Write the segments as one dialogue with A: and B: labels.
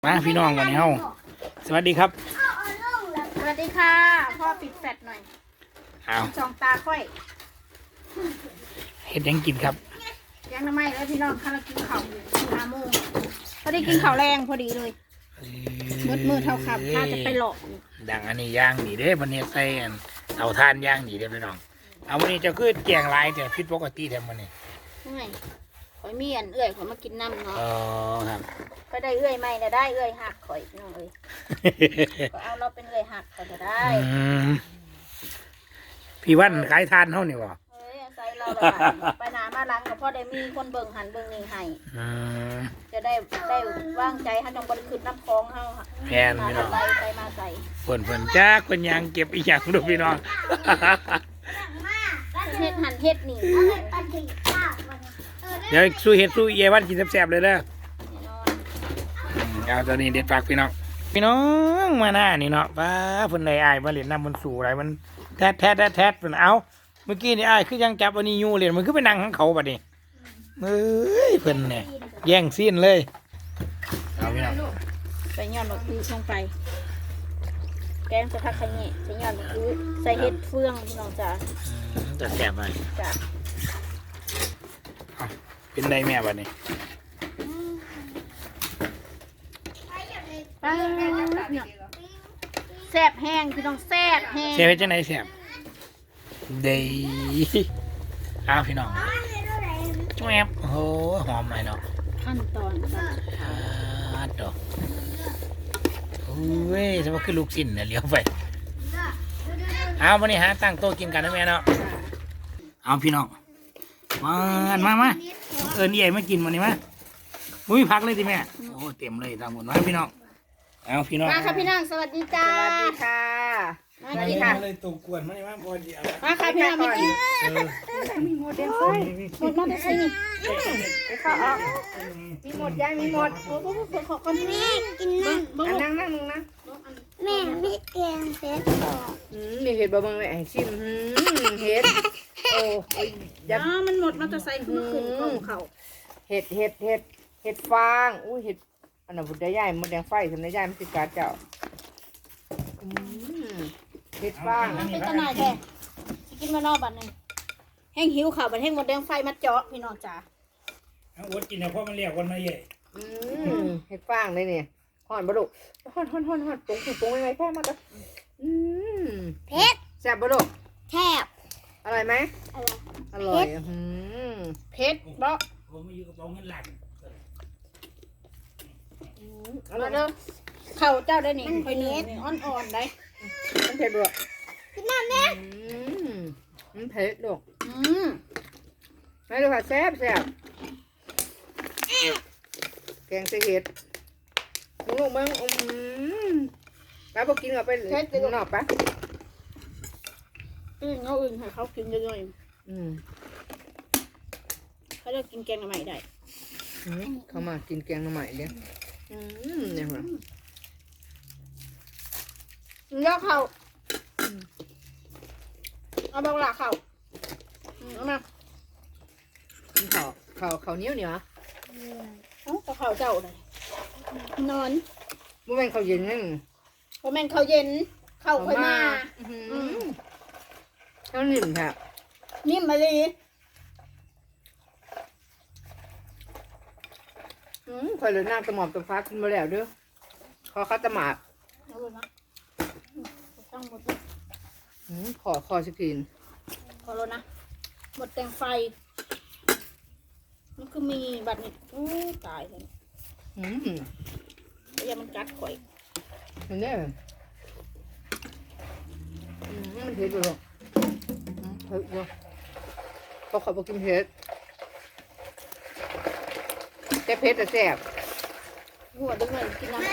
A: มาพี่น้องวันนี้เฮาสวัสดีครับ
B: สวัสดีค่ะพ่อปิดแฟลชหน่อย
A: เอา
B: สองตาค่อย
A: เฮ็ดยังกินครับ
B: ยังน้ำไม้แล้วพี่น้องข้าวกินข้าว5 โมงพอดีกินข้าวแรงพอดีเลยมืดเท่าขับถ้าจะไปหลอก
A: ดังอันนี้ย่างดีเด้วันนี้ใส่อันเตาถ่านย่างดีเด้พี่น้องเอาวันนี้จะคือแกงลายแต่ผิดปกติแถมวันนี้
B: ไม่ข่อยมีอันเอื้อยข่อยมากินน้ำเนาะ
A: อ๋อครับ
B: ก็ได้เอื้อยใหม่แล้วได้เอื้อยหักข่อยพี่น้องเลยก็เอาเราเป็นเอื้อยหักข่อยจะได้
A: พี่วันขายทานเท่านี่วะ
B: ใส่เราแบบไปหนามาล้างกับพ่อได้มีคนเบิ่งหันเบิ่งนี่ให้จะได้ว่างใจให้จงบริขึ้นน้ำคลองเฮาค่ะ
A: แพนพี่น้อง
B: ใส่มาใส่
A: เพิ่นจ้าคนยางเก็บอีหยังดูพี่น้อง
B: เฮ็ดหันเฮ็ดนี่
A: เดี๋ยวสู้เฮ็ดสู้เยวันกินแซ่บๆเลยเด้อเอาตอนนี้เด็ดฝากพี่น้องมาหน้านี่เนาะป้าเพิ่นได้อ้ายมาเล่นน้ำมันสู่อะไรมันแทดเพิ่นเอาเมื่อกี้นี่อ้ายคือยังจับอันนี้อยู่เล่นมันคือไปนั่งข้างเขาบัดนี้เอ้ยเพิ่นเนี่ยแย่งซีนเลยเอาพี่น้อง
B: ใส่ยอดมะพร้าวลงไปแกงจะทักขยี้ใส่ยอดมะพร้าวใส่เห็ดเฟืองพี่น้องจ๋า
A: จะแซ่บไป
B: จ้ะ
A: เป็นได้แม่บัดนี้
B: แซ่บแห้งพี่น้องแซ่บแห้ง
A: แซ่บจังไหนแซ่บเด้เอาพี่น้องแซ่บโอ้โหหอมไหมเนาะ
B: ขั้นตอน
A: ดอกโอ้ยสมมติคือลูกชิ้นเนี่ยเลี้ยวไปเอาวันนี้ฮะตั้งโต๊ะกินกันนะแม่เนาะเอาพี่น้องมาเอิญใหญ่มากินวันนี้มามุ้ยพักเลยสิแม่โอ้เต็มเลยทางหมดนะพี่น้องเอาพี่น้อง
B: มาค่ะพี่น้องสวัสดีจ้า
C: สวัสดีค่ะ
B: มากินค่ะ
A: เลยตุกกวนมาเลยมาพอดี
B: มาค่ะพี่น้องมากิน
C: มีหมดเดียวไฟ
B: หมดมาได้ใส่นี่
C: ไปเข้าออกมีหมดยายมีหมด
B: โอ้โหขอคนนี้กินนั่ง
C: นั่งนะ
B: แม่ไม่แกงเผ็ด
C: มีเห็ดบะบังเลยไอ้ชิมเห็ดโอ้ย
B: ยับมันหมดมาจะใส่ขึ้นของเขา
C: เห็ดฟางอุ้ยเห็ดอันนั้นบุตรใหญ่มดแดงไฟทำได้ใหญ่มันติดการเจ้าเห็ดฟาง
B: เป็นตะนายแท้กินมานอกบัดนึงแห้งหิวข่าวบัดแห้งหมดแดงไฟมาเจาะพี่น้องจ๋า
A: เอาอดกินนะเพราะมันเรียกวันมาใหญ่
C: เห็ดฟางเลยเนี่ยห่อนบลุห่อนปุ้งยังไงแค่มาก็
B: เผ็ด
C: แซ่บบลุ
B: แซ่บ
C: อร่อยไหมอร่อย
B: เผ็ดบ่
A: ผมมาอยู่กับเงินหลัก
B: มาเด้อเข่าเจ้าได้นี่ค่อยเนื้ออ่อนๆได้
C: มันเผ็ดบ่
B: กินน้ำเนี่ย
C: มันเผ็ดลูกไม่ดูค่ะแซ่บแกงใส่เห็ดลูกมึงแล้วพอกินเอาไปนอกปะ
B: เขาอื่นให้เขากินเยอะๆเขาจะกินแกงใหม่ได้
C: เขามากินแกงใหม่เนี่ยเนี่ยเหรอ
B: เลือกเขาเอาบางหลักเขาเอามา
C: กินเขาเหนียวเหรอ
B: เอาเขาเจ้าเลยนอน
C: มื่อวันเขาเย็นนั่ง
B: พอแม่เขาเย็นเขาค่อยมา
C: เขานิ่มค่ะ
B: นิ่มมาเลย
C: คอยเลยน้ำตะหมอบตะฟ้ากินมาแล้วเด้อขอข้าวตะหมาดขอสกิน
B: ขอรถนะหมดแตงไฟมันคือมีบัตรนี่ตายเลยอย่ามันกัดข่อย
C: มันเนี่ยมันเผ็ดอยู่หรอเผ็ดอยู่เขาขอบอกกินเผ็ดแต่เผ็ดแต่แซ่บ
B: หัวดึงเลยกินน้ำ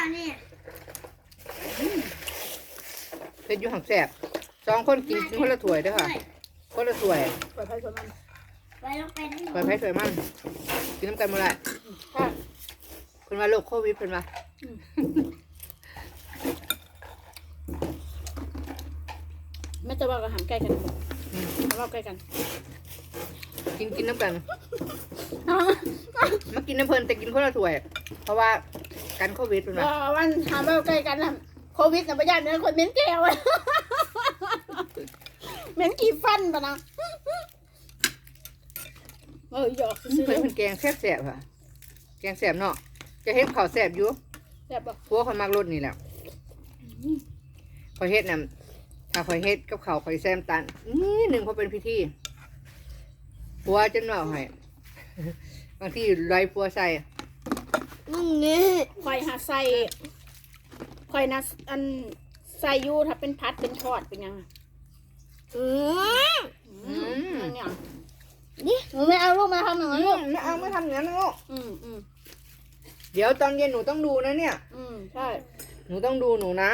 C: เผ็ดอยู่หักแซ่บ2 คนกินคนละถ้วยเด้อค่ะคนละถ้วย
B: ปล่อยไผ่สวยมัน
C: ปล่อยไผ่สวยมันกินน้ำกันหมดเลยคนมาโรคโควิดเป็นมา
B: ไม่จะว่ากับหางใกล้กันว่าใกล้กัน
C: กินน้ำกันมากินน้ำเพลินแต่กินคนละถ้วยเพราะว่ากันโควิดเป็นไง
B: วันถามว่าใกล้กันนะโควิดนะประหยัดเนี่ยคนเหม็นแก้วเหม็นกี่ฟันปะนะหยอกซื้อ
C: เพิ่นเป็นแกงแซ่บๆค่ะแกงแซ่บเนาะจะเฮ็ดข้าวแซ่บอยู่
B: แบบบอก
C: พวกคนมักรสนี่แหละพอเฮ็ดน่ะถ้าพอเฮ็ดกับข้าวข่อยแซมตันนี่หนึ่งพอเป็นพิธีปัวจนว่าให้บางทีไรปัวใส่
B: คอยหาใส่คอยนะอันใส่ยูถ้าเป็นพัดเป็นทอดเป็นยังเนี่ยนี่หนูไม่เอาลูกมาทำอย่างนั้นลูก
C: ไม่เอาไม่ทำอย่างนั้นนะลูก
B: อืม
C: เดี๋ยวตอนเย็นหนูต้องดูนะเนี่ย
B: ใช่
C: หนูต้องดูหนูนะ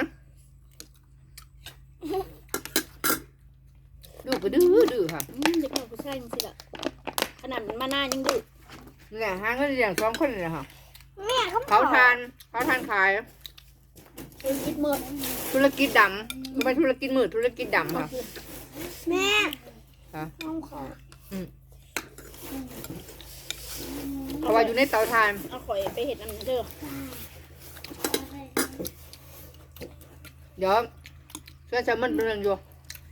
C: ดูก็ดื้อค่ะ
B: เด็กหนูก็ใช่จริงๆละขนาดมันมาหน้ายังดื้อ
C: เนี่ยหาเงินอย่างสองคนเลยค่ะ
B: แม่เขา
C: เขาทานขาย
B: เป็นคิดเมื่อ
C: ธุรกิจดำไม่ธุรกิจมืดธุรกิจดำค่ะ
B: แม่
C: ค่ะ
B: น้องขอ
C: เพราะว่าอยู่ในเตาถ่าน
B: เอาข่อยไปเห็ดอันนั้นเด้อ
C: เดี๋ยวเพื่อนสามันเป็นเรื่องอยู่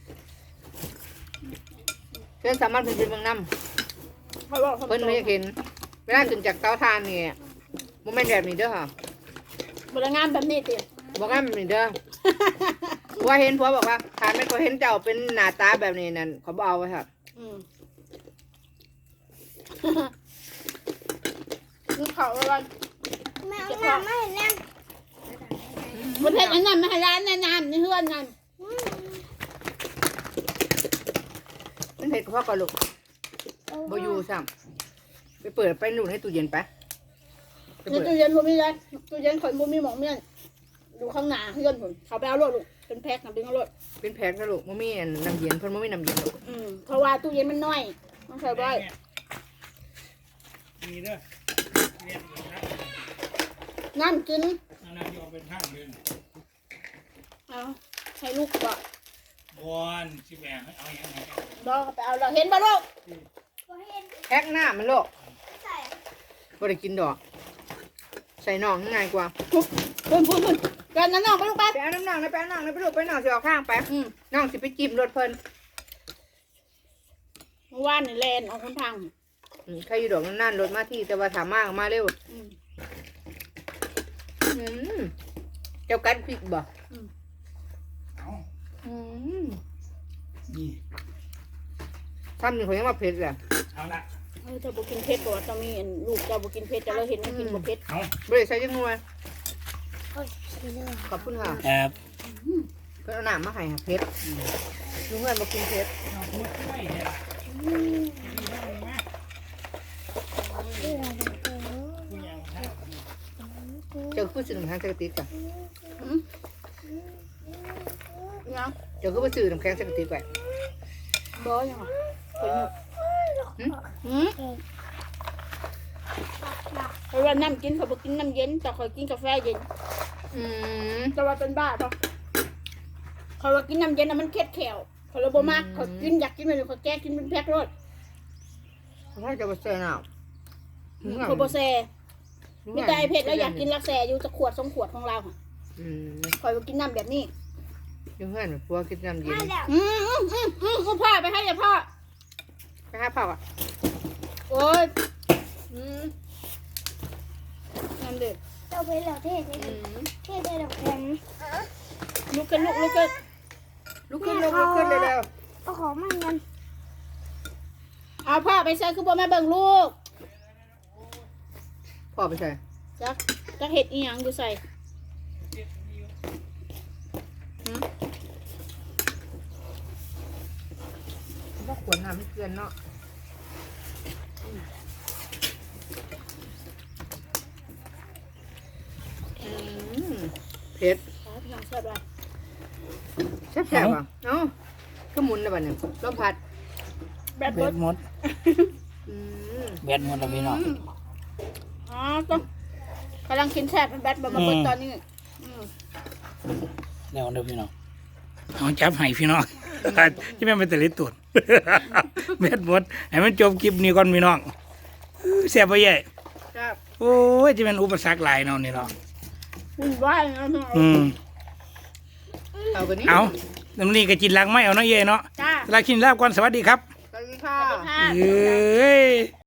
C: เพื่อนสามันเป็นเรื่องน้ำ
B: เขาบอก
C: เพิ่นไม่เห็นเวลาขึ้นจากเตาถ่านนี่โมเมนต์แบบนี้เด้อค่ะ
B: บริงานแบบนี้ติ
C: บอกว่าแบบนี้เด้อผัวเห็นผัวบอกว่าถ่านไม่ก็เห็นเจ้าเป็นหน้าตาแบบนี้นั่นเขาบอกเอาไว้ค่ะ
B: ลูกเขาอะไร
D: แม่เอาน้ำมาให้แน่
B: ประเทศอันนั้นมาให้ร้านแนะนำในเฮือนนั่น
C: เป็นเห็ดกับพ่อกับลูกบ่อยู่ซ้ำไปเปิดไปหนุนให้ตู้เย็นไป
B: ในตู้เย็นผมมีเลยตู้เย็นข่อยผมมีหมองเมี่ยนอยู่ข้างหน้าเฮือนผมเขาไปเอารถลูกเป็นแพ็คนะดึงเอารถ
C: เป็นแพ็คนะลูกมันมีน้ำเย็นเพิ่นมันมีน้ำเย็นลูก
B: เพราะว่าตู้เย็นมันน้อยต้องใส่ได้
A: มีเด้อเนี่ย
B: น้ำกิน
A: อันนั้นยอมเป็นข้างเดิน
B: เอาให้ลูกก่อน
A: บอนสิแบ่งให้เอาอย่างไรกัน
B: รอไปเอาเราเห็นป่ะลูก
C: แพ็คหน้ามันลูก
D: ใส่
C: บ่ได้กินดอก ใส่น่องง่ายกว่า
B: พุ่นกันนั้นน้องไปลูกไป
C: ไปเอาน้ำน่องนะไปเอาน่องนะไปลูกไปน่องสิออกข้างไปน่องสิไปจิ้มรถเพิ่น
B: เมื่อวานนี่แลนออกคนทาง
C: ใครอยู่ดอกนั่นๆรถมาที่แต่ว่าถามมากมาเร็วเจ้ากันพริกบ่
A: เอา
C: อืม
A: นี่
C: ทำหนึ่งคนยังมาเผ็ดเลย
A: เอาละ
B: จะบุกินเพชรก่อนจะมีลูกจะบุกินเพชรจะเราเห็นมันกินบุเพชร
A: เอา
C: บริษัทยังงวย
D: โอ้ยสีเหลือง
C: ขอบคุณค่ะ
A: ครับ
C: เพื่อนเอาหนามมาให้ค่ะเผ็ดลุงเงินมากินเผ็ด
A: เอาพูดไม่เนี่ยล่ะ
D: เหลือง
A: คุณยังท่า
C: เจ้าคือสื่อน้ำแข็งสกติกจ้ะ
B: ยัง
C: เจ้าคือไปสื่อน้ำแข็งสกติกไว้
B: บอยังคนหนึ่งเพราะว่าน้ำกินเขาบุกินน้ำเย็นแต่เขากินกาแฟเย็น แต่ว่าเป็นบ้าปะเขาว่ากินน้ำเย็นน่ะมันเค็ดแขวเขาเลยบ่มากเขากินอยากกินไปเลยเขาแก้กินเป็นแพ็ครถ
C: ถ้าจะไปเซ่หนาว
B: เขาบ่แซ่มีแต่ไอเผ็ดแล้วอยากกินลักแซ่อยู่จะขวด2 ขวดของเราค่ะคอยว่ากินน้ำแบบนี้
C: ลุงเงินพวกกินน้ำเย็น
D: มาแล้ว
B: คุณพ่อไปให้อย่าพ่อ
C: ไปหาผักอ่ะ
B: โอ้ยน้ำเดือด
D: เจ้าไปแล้วเทศไปเทศไปแล้วแข็ง
B: ลุกขึ้นลุกขึ้น
C: ลุกขึ้นเร็ว
D: เอาของมาเงิน
B: เอาพ่อไปใส่คือบ่แม่เบิ่งลูก
C: พ่อไปใส่
B: จักเห็ดอีหยังอยู่ใส่
C: พวกขวดน้ำไม่เกลือนเนาะเผ็ด
B: พี่น้องแซ่บไร
C: แซ่บๆอ่ะเอ้าก็หมุนนะบัดเนี่ยลมพัด
B: แบบ
A: แบ
B: ร
A: ด
B: ถ
A: หมด
C: อืม
A: แบดหมดแล้วพี่น้อง
B: อ๋อต้องกำลังกินแซ่บเป็นแบทแบบมาเปิดตอนนี้
A: แล้วเด้อพี่น้องเอาจับให้พี่น้องที่แม่นเป็นตะลิตุนแบดหมดให้มันจบคลิปนี้ก่อนพี่น้องเสียบ่ใหญ่
C: ครับ
A: โอ้ยจะเป็นอุปสรรคหลายเนาะนี่เนาะ
B: วุ่นวายนะเนาะ
C: เอากันนี้
A: เอาน้ำนี่ก็กินหลังไม่เอาเนาะเย่เนาะ
B: จ้า
A: ลากินลาบก่อนสวัสดีครับ
C: สวัสดีค่ะ
B: ค่ะ
A: เอ้ย